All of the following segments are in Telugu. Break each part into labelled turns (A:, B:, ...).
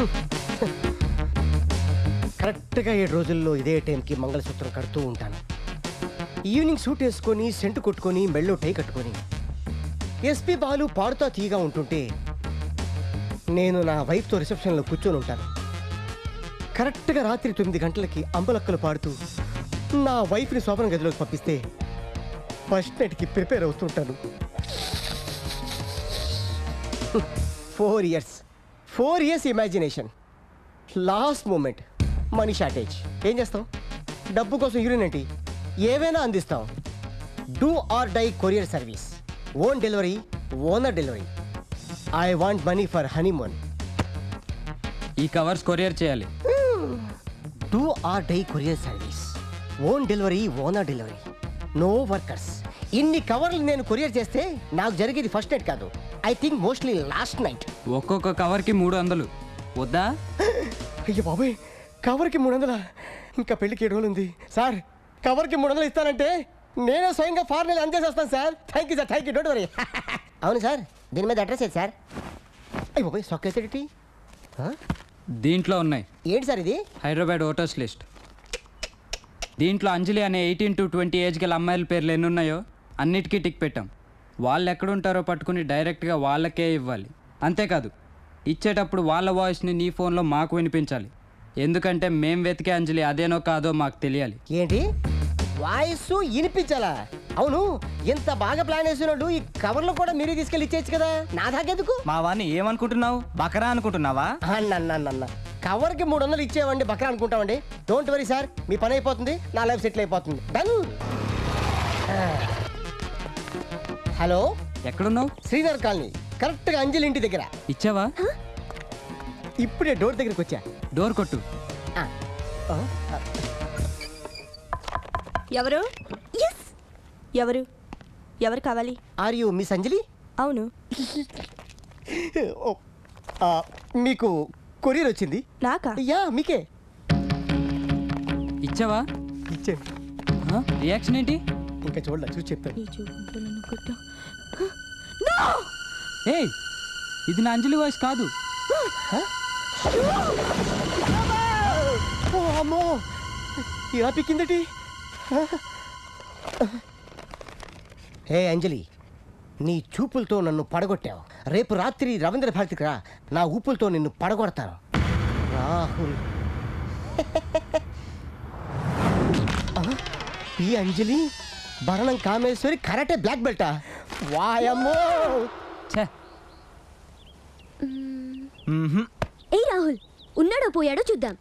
A: కరెక్ట్గా 7 రోజుల్లో ఇదే టైంకి మంగళసూత్రం కడుతూ ఉంటాను. ఈవినింగ్ సూట్ వేసుకొని సెంటు కొట్టుకొని మెళ్ళో టై కట్టుకొని ఎస్పీ బాలు పాడుతా తీగా ఉంటుంటే నేను నా వైఫ్తో రిసెప్షన్లో కూర్చొని ఉంటాను. కరెక్ట్గా రాత్రి 9 గంటలకి అంబలక్కలు పాడుతూ నా వైఫ్ని శోభన గదిలోకి పంపిస్తే ఫస్ట్ నైట్కి ప్రిపేర్ అవుతుంటాను. 4 years imagination, last moment money shortage. ఏం చేస్తాం? డబ్బు కోసం హీరోయిన్ ఏంటి ఏవైనా అందిస్తాం. Do or die courier service, own delivery, owner delivery. I want money for honeymoon.
B: ఈ కవర్స్ కొరియర్ చేయాలి.
A: Do or die courier service, own delivery, owner delivery, no workers. ఇన్ని కవర్లు నేను కొరియర్ చేస్తే నాకు జరిగేది ఫస్ట్ నైట్ కాదు, I think mostly last night.
B: ఒక్కొక్క కవర్కి 300 వద్దా?
A: అయ్యో బాబాయ్, కవర్కి 300? ఇంకా పెళ్ళికి 7 రోజులు ఉంది సార్. కవర్కి 300 ఇస్తానంటే నేనే స్వయంగా ఫారెన్ అందేసేస్తాను sir. Thank you sir, thank you, don't worry. అవును సార్, దీని మీద అడ్రస్ ఏంటి సార్? అయ్యి బాబాయ్, స్టాక్ వేసేటి
B: దీంట్లో ఉన్నాయి.
A: ఏంటి సార్ ఇది?
B: Hyderabad voters list. దీంట్లో అంజలి అనే 18 to 20 ఏజ్ గల అమ్మాయిల పేర్లు ఎన్ని ఉన్నాయో అన్నిటికీ టిక్ పెట్టాం. వాళ్ళు ఎక్కడుంటారో పట్టుకుని డైరెక్ట్గా వాళ్ళకే ఇవ్వాలి. అంతేకాదు, ఇచ్చేటప్పుడు వాళ్ళ వాయిస్ని నీ ఫోన్లో మాకు వినిపించాలి. ఎందుకంటే మేం వెతికే అంజలి అదేనో కాదో మాకు తెలియాలి.
A: ఏంటి వాయిస్ వినిపించాలా? అవును, ఇంత బాగా ప్లాన్ వేసినట్టు ఈ కవర్లో కూడా మీరే తీసుకెళ్ళి ఇచ్చేయచ్చు కదా, నా దాకెందుకు?
C: మా వాడిని ఏమనుకుంటున్నావు? బకరా అనుకుంటున్నావా?
A: అన్న కవర్కి 300 ఇచ్చేవండి, బక్రా అనుకుంటామండి. డోంట్ వరీ సార్, మీ పని అయిపోతుంది, నా లైఫ్ సెటిల్ అయిపోతుంది. డన్. హలో,
B: ఎక్కడున్నావు?
A: శ్రీనగర్ కాలనీ, కరెక్ట్గా అంజలి ఇంటి దగ్గర.
B: ఇచ్చావా?
A: ఇప్పుడే డోర్ దగ్గరికి వచ్చా.
B: డోర్ కొట్టు.
D: ఎవరు? ఎవరు ఎవరు కావాలి?
A: Are you miss Anjali?
D: అవును.
A: మీకు కొరియర్ వచ్చింది.
D: నాకా?
A: యా, మీకే
B: ఇచ్చావా?
A: ఇచ్చాను.
B: రియాక్షన్ ఏంటి?
A: ఇంకా చూడలే, చూసి చెప్తాను.
B: ఏయ్, ఇది నా అంజలి వాయిస్ కాదు.
A: అమ్మో, ఇలా పిక్కిందటి. హే అంజలి, నీ చూపులతో నన్ను పడగొట్టావు. రేపు రాత్రి రవీంద్ర భారతికి రా, నా ఊపులతో నిన్ను పడగొడతాను. రాహుల్. ఈ అంజలి భరణం కామేశ్వరి కరాటే బ్లాక్ బెల్టా? వాయమ్మో.
B: ఛే,
E: ఏ రాహుల్, ఉన్నాడో పోయాడో చూద్దాం.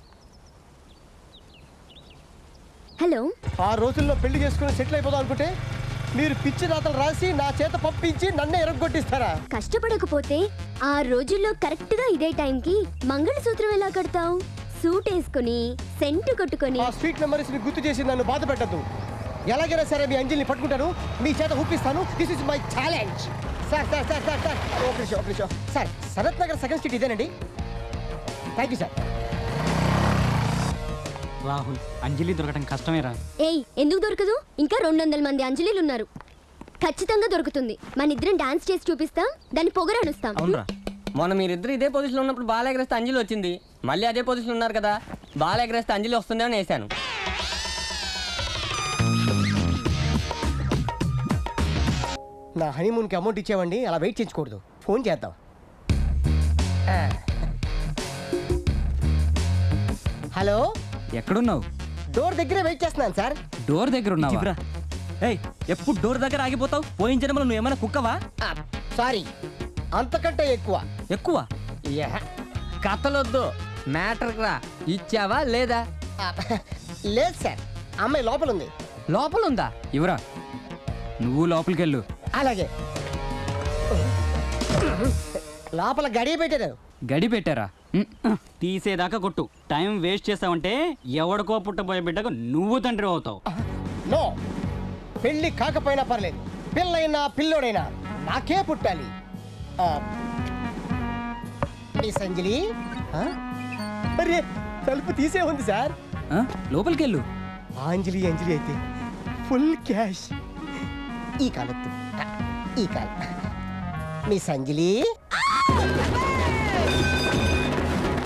E: హలో.
A: ఆ రోజుల్లో పెళ్లి చేసుకుని సెటిల్ అయిపోదాం అనుకుంటే మీరు పిచ్చి రాతలు రాసి నా చేత పంపించి నన్నే ఎరగొట్టిస్తారా?
E: కష్టపడకపోతే ఆ రోజుల్లో కరెక్ట్ గా ఇదే టైంకి మంగళసూత్రం ఎలా కడతావు? సూట్ వేసుకుని సెంటు కొట్టుకొని.
A: ఆ స్వీట్ మెమరీస్ ని గుర్తు చేసి నన్ను బాధ పెట్టద్దు. ఎలాగైనా సరే మీ అంజలిని పట్టుకుంటాను, మీ చేత ఊపిస్తాను. This is my challenge. Sir sir sir sir sir ఒక నిమిషం sir. Sharath Nagar second street ఇదేనండి. Thank you sir.
C: Rahul, Anjali దొరకడం కష్టమేరా.
E: ఏయ్, ఎందుకు దొరకదు? ఇంకా 200 మంది అంజలిలు ఉన్నారు. ఖచ్చితంగా దొరుకుతుంది. మన ఇద్దరం డాన్స్ చేసి చూపిస్తాం, దాన్ని పొగరనుస్తాం.
C: అవునరా?
F: మొన్న మీరిద్దరు ఇదే పొజిషన్లో ఉన్నప్పుడు బాల్ ఎగరేస్తే అంజలి వచ్చింది. మళ్ళీ అదే పొజిషన్ ఉన్నారు కదా, బాల్ ఎగరేస్తే అంజలి వస్తుందేమని వేసాను.
A: నా హనీమూన్కి అమౌంట్ ఇచ్చేవండి, అలా వెయిట్ చేయించకూడదు. ఫోన్ చేద్దాం. హలో,
B: ఎక్కడున్నావు?
A: డోర్ దగ్గరే వెయిట్ చేస్తున్నాను సార్.
B: డోర్ దగ్గర ఉన్నావా?
C: ఏయ్, ఎప్పుడు డోర్ దగ్గర ఆగిపోతావు? పోయిన జన్మలో నువ్వు ఏమైనా కుక్కవా?
A: సారీ, అంతకంటే ఎక్కువ.
C: ఎక్కువ
F: కథలొద్దు, మ్యాటర్కి రా. ఇచ్చావా లేదా?
A: లేదు సార్, అమ్మాయి లోపల ఉంది.
F: లోపల ఉందా?
B: ఇవరా, నువ్వు లోపలికి వెళ్ళు.
A: అలాగే. లోపల గడియ పెట్టారు.
B: గడి పెట్టారా?
C: తీసేదాకా కొట్టు. టైం వేస్ట్ చేసావంటే ఎవడికో పుట్టబోయే బిడ్డకు నువ్వు తండ్రి అవుతావు.
A: నో, పెళ్ళి కాకపోయినా పర్లేదు, పిల్లైనా పిల్లోడైనా నాకే పుట్టాలి. మిస్ అంజలి. అరే, తలుపు తీసే ఉంది సార్.
B: లోపలికి వెళ్ళు.
A: అంజలి అంజలి అయితే ఫుల్ క్యాష్. ఈ కాలొద్దు, ఈ కాలం. మిస్ అంజలి.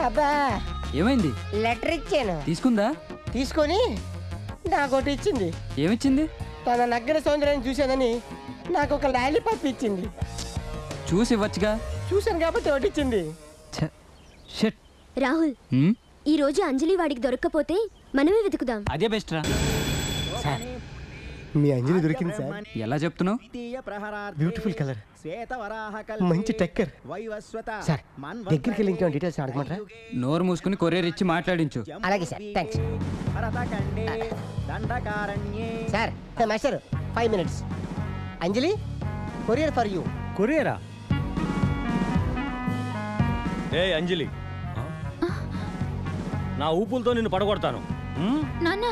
A: అబ్బా
B: ఏమైంది?
A: లెటర్ ఇచ్చాను,
B: తీసుకుందా?
A: తీసుకొని నాకోటి ఇచ్చింది.
B: ఏమిచ్చింది?
A: తన నగ్గర సౌందర్యాన్ని చూశానని నాకు ఒక లాలీపాప్ ఇచ్చింది.
B: చూసి ఇవ్వచ్చుగా.
A: చూశాను కాబట్టి ఒకటి ఇచ్చింది.
B: షట్.
E: రాహుల్, ఈ రోజు అంజలి వాడికి దొరక్కపోతే మనమే వెతుకుదాం.
C: అదే బెస్ట్ రా.
A: మీ అంజలి దొరికింది సార్.
B: ఎలా చెప్తున్నావు?
A: బ్యూటిఫుల్ కలర్, మంచి టెక్కర్. సార్ దగ్గరికి వెళ్ళి ఇంకేమైనా డీటెయిల్స్ అడగమంటారా?
B: నోరు మూసుకుని కొరియర్ ఇచ్చి మాట్లాడించు.
A: అలాగే sir, thanks sir. Master 5 minutes. Anjali, courier for you.
G: కొరియరా? ఏ అంజలి, నా ఊపులతో నిన్ను పడగొడతాను.
D: నాన్న,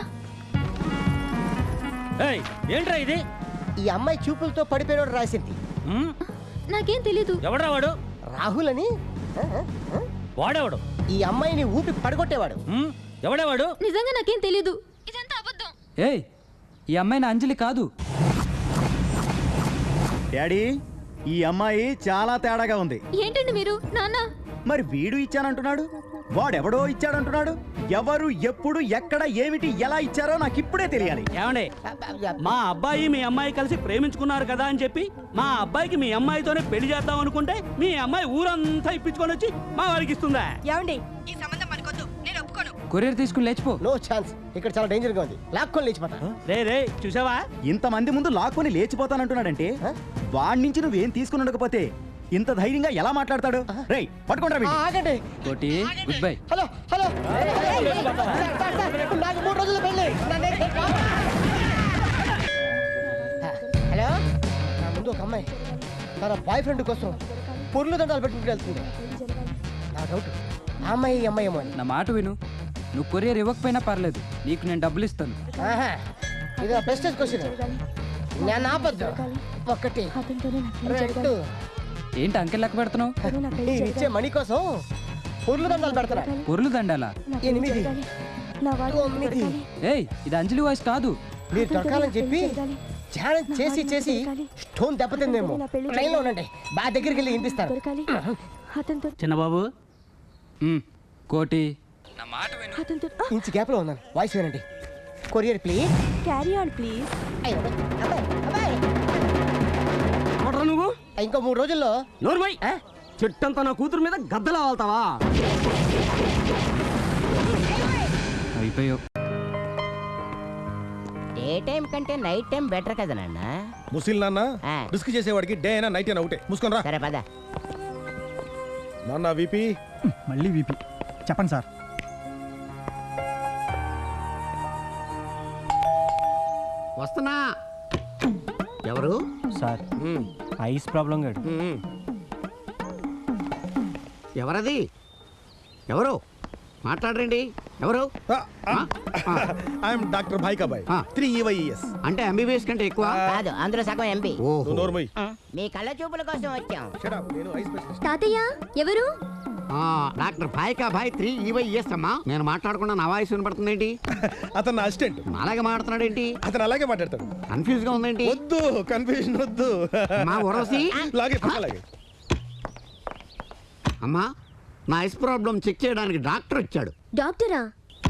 G: ఏయ్, ఏంట్రా ఇది?
A: ఈ అమ్మాయి చూపులతో పడిపోయినోడు రాసింది.
D: నాకేం తెలీదు.
G: ఎవడ్రా వాడు?
A: రాహుల్ అని.
G: వాడేవాడు?
A: ఈ అమ్మాయిని ఊపి పడగొట్టేవాడు.
G: ఎవడేవాడు?
D: నిజంగా నాకేం తెలీదు. ఇదంతా అబద్ధం.
B: ఏయ్, ఈ అమ్మాయి నా అంజలి కాదు.
H: డాడీ, ఈ అమ్మాయి చాలా తేడాగా ఉంది.
D: ఏంటండి మీరు? నాన్న,
H: మరి వీడు ఇచ్చానంటున్నాడు, వాడెవడో ఇచ్చాడంటున్నాడు. ఎవరు, ఎప్పుడు, ఎక్కడ, ఏమిటి, ఎలా ఇచ్చారో నాకు ఇప్పుడే తెలియాలి.
C: ఏమండి, మా అబ్బాయి మీ అమ్మాయి కలిసి ప్రేమించుకున్నారు కదా అని చెప్పి మా అబ్బాయికి మీ అమ్మాయితోనే పెళ్లి చేద్దాం అనుకుంటే మీ అమ్మాయి ఊరంతా ఇప్పించుకొని వచ్చి మా వాడికి ఇస్తుందా?
D: ఏమండి, ఈ సంబంధం మనకొద్దు. నేను ఒప్పుకోను.
B: కొరియర్ తీసుకుని లేచిపో.
A: No chance. ఇక్కడ చాలా డేంజర్ గా ఉంది. లాక్కొని లేచిపోతా.
C: రే చూసావా?
H: ఇంతమంది ముందు లాక్కొని లేచిపోతానంటున్నాడంటే వాడి నుంచి నువ్వేం తీసుకుని ఉండకపోతే ఇంత ధైర్యంగా ఎలా మాట్లాడతాడు? రేయ్, పట్టుకుంటా.
A: ఆగండి.
B: కోటి, గుడ్ బై.
A: Hello hello. నాకు 3 రోజులు పెళ్ళి. హలో, నా ముందు ఒక అమ్మాయి తన బాయ్ ఫ్రెండ్ కోసం పొర్లు దండాలు పెట్టుకుంటూ వెళ్తుంది. నా డౌట్ ఆ అమ్మాయి ఈ అమ్మాయి ఏమో అని.
B: నా మాట విను. నువ్వు కొరియర్ ఇవ్వకపోయినా పర్లేదు, నీకు నేను డబ్బులు ఇస్తాను.
A: ఆహా, ఇది నా ప్రెస్టేజ్ క్వశ్చన్. నేను ఆపద్దు. 1 2.
B: ఏంటి అంకెల్ లెక్క పెడుతున్నావు?
A: నేను ఇచ్చే మనీ కోసం పొర్లు దండాలు పెడతారా?
B: పొరులు దండాలా?
A: 8 9.
B: ఏయ్, ఇది అంజలి వాయిస్ కాదు.
A: మీరు దొరకాలని చెప్పి ధ్యానం చేసి చేసి స్టోన్ దెబ్బతిందేమో. ట్రైన్లో ఉండండి, బాగా దగ్గరికి వెళ్ళి వినిపిస్తాను.
C: చిన్నబాబు,
B: కోటి, నా మాట విను.
A: ఇంచు గ్యాప్లో ఉన్నాను. వాయిస్ వినండి. Courier please.
D: Carry on please.
C: నువ్వు
A: ఇంకో 3 రోజుల్లో.
C: నోర్మై, చెట్టంతా నా కూతురు మీద గద్దలా వాళ్తావా?
B: అయిపోయావు.
I: డే టైం కంటే నైట్ టైం బెటర్ కదా నాన్న.
J: ముసిల్ నాన్న రిస్క్ చేసేవాడికి డే అయినా నైట్ అయినా ఒకటే. మూసుకొని రా.
I: సరే పద.
J: నాన్న విపి.
H: మళ్ళీ వీపీ. చెప్పండి సార్.
I: వస్తున్నా. ఎవరు?
H: సార్, ఐస్ ప్రాబ్లం గాడు.
I: ఎవరది? ఎవరు మాట్లాడరండి? ఎవరు?
J: ఐఎమ్ డాక్టర్ భాయికాబాయ్, 3 EYES.
I: అంటే ఎంబీబీఎస్ కంటే ఎక్కువ కాదు, అందులో సగం ఎంబీ.
J: నువ్వు నోర్మై.
I: మీ కళ్ళ చూపుల కోసం వచ్చాం.
J: Shut up. నేను ఐ స్పెషలిస్ట్.
E: తాతయ్య ఎవరు?
I: డాక్టర్ భాయ్ 3 EYES అమ్మా. నేను మాట్లాడకుండా నా వాయిస్ వినపడుతుందేంటి?
J: అతను నా అసిస్టెంట్.
I: అలాగే మాట్లాడుతున్నాడు ఏంటి?
J: అతను అలాగే మాట్లాడతాడు.
I: కన్ఫ్యూజ్ గా ఉందేంటి?
J: వద్దు, కన్ఫ్యూజన్ వద్దు.
I: మా ఊరవసి
J: లాగే పక్కలాగే.
I: అమ్మా, నా ఐస్ ప్రాబ్లం చెక్ చేయడానికి డాక్టర్ వచ్చాడు.
E: డాక్టరా?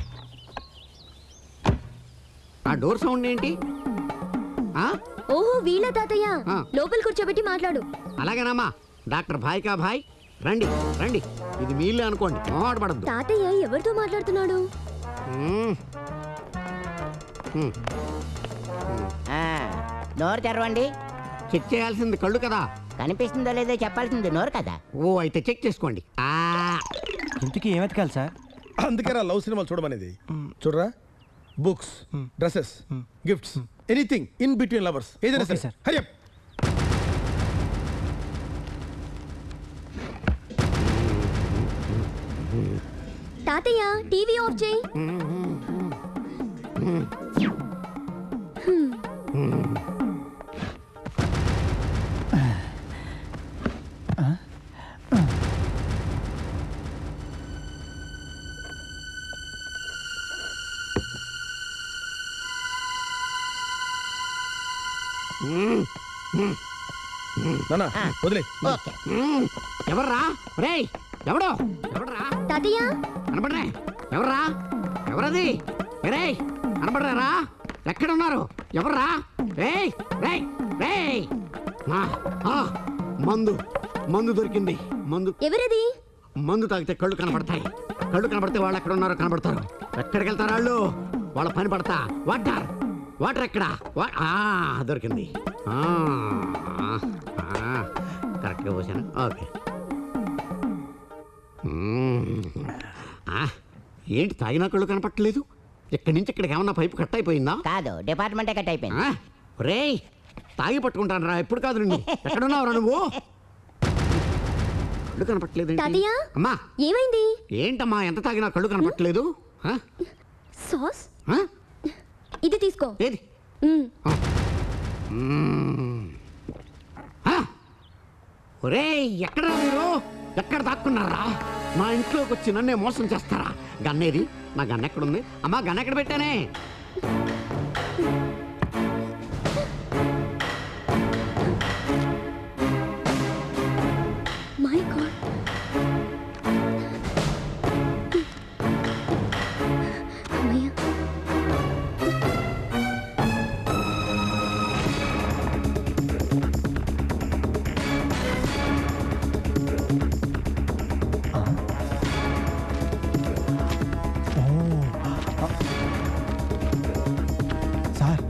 I: ఆ డోర్ సౌండ్ ఏంటి?
E: ఓహో, వీళ్ళ తాతయ్య.
I: ఆ.
E: లోపల కూర్చోబెట్టి మాట్లాడు.
I: అలాగేనమ్మా. డాక్టర్ భాయ్ రండి రండి. ఇది మీళ్ళే అనుకోండి, మొహమాట పడద్దు.
E: తాతయ్య ఎవరితో మాట్లాడుతున్నాడు?
I: నోరు తెరవండి. చెక్ చేయాల్సింది కళ్ళు కదా. కనిపిస్తుందో లేదో చెప్పాల్సింది నోరు కదా. ఓ, అయితే చెక్ చేసుకోండి.
H: ఇంతకీ ఏం వెతకాలి సార్?
J: అందుకే రా లవ్ సినిమాలు చూడమనేది. చూడరా, books, dresses, gifts, anything in between lovers, ఏదైనా సరే.
H: సార్.
J: Hurry up.
E: తాతయ్య టీవీ ఆఫ్ చేయి.
J: నాన్న వదిలే.
I: ఓకే. ఎవర్రా? రేయ్, ఎవడో ఎవడరా
E: తాతయ్య
I: కనపడరే ఎవర్రా ఎవరది రే కనపడరా ఎక్కడ ఉన్నారు ఎవర్రా రేయ్ రేయ్ రేయ్ మందు మందు దొరికింది మందు
E: ఎవరది?
I: మందు తాగితే కళ్ళు కనబడతాయి కళ్ళు కనబడితే వాళ్ళు ఎక్కడ ఉన్నారో కనబడతారు ఎక్కడికి వెళ్తారు వాళ్ళు వాళ్ళ పని పడతా వాటర్ వాటర్ ఎక్కడ దొరికింది కరెక్ట్గా పోసాను ఓకే ఏంటి తాగినా కళ్ళు కనపట్టలేదు ఇక్కడి నుంచి ఇక్కడికి ఏమన్నా పైపు కట్ అయిపోయిందా కాదు డిపార్ట్మెంటే కట్ అయిపోయింది రేయ్ తాగి పట్టుకుంటాను రా ఎప్పుడు కాదు నిన్ను ఎక్కడున్నావురా నువ్వు కళ్ళు కనపట్టలేదు
E: తాతయ్య
I: అమ్మా
E: ఏమైంది?
I: ఏంటమ్మా ఎంత తాగినా కళ్ళు కనపట్టలేదు
E: సాస్ ఇది తీసుకో.
I: ఏది ఒరే ఎక్కడ మీరు ఎక్కడ దాక్కున్నారా మా ఇంట్లోకి వచ్చి నన్నే మోసం చేస్తారా గన్నేది నా గన్ ఎక్కడుంది అమ్మా గన్ ఎక్కడ పెట్టానే
E: మై గాడ్ అమ్మయ్య
H: సార్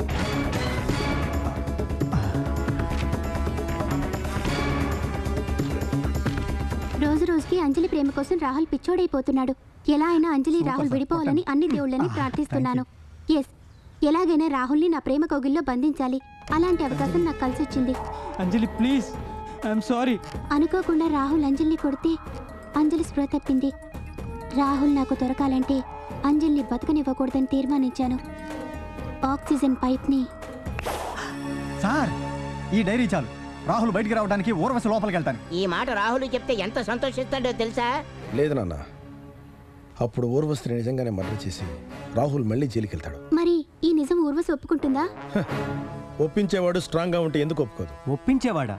D: రోజు రోజుకి అంజలి ప్రేమ కోసం రాహుల్ పిచ్చోడైపోతున్నాడు. ఎలా అయినా అంజలి రాహుల్ విడిపోవాలని అన్ని దేవుళ్ళని ప్రార్థిస్తున్నాను. ఎస్, ఎలాగైనా రాహుల్ని నా ప్రేమ కౌగిల్లో బంధించాలి. అలాంటి అవకాశం నాకు కలిసి వచ్చింది.
B: Anjali please, I'm sorry.
D: అనుకోకుండా రాహుల్ అంజలిని కొడితే అంజలి స్పృహ తప్పింది. రాహుల్ నాకు దొరకాలంటే అంజలిని బతకనివ్వకూడదని తీర్మానించాను. ఆక్సిజన్ పైప్ని
H: సార్ ఈ డైరీ చాలు రాహుల్ బయటికి రావడానికి ఊర్వశి లోపలికి వెళ్తాను
I: ఈ మాట రాహుల్ చెప్తే ఎంత సంతోషిస్తాడో తెలుసా
J: లేదు నాన్న, అప్పుడు ఊర్వశిని నిజంగానే మర్డర్ చేసి రాహుల్ మళ్ళీ జైలుకి వెళ్తాడు.
D: మరి ఈ నిజం ఊర్వశి ఒప్పుకుంటుందా?
J: ఒప్పించేవాడు స్ట్రాంగ్గా ఉంటే ఎందుకు ఒప్పుకోదు?
B: ఒప్పించేవాడా?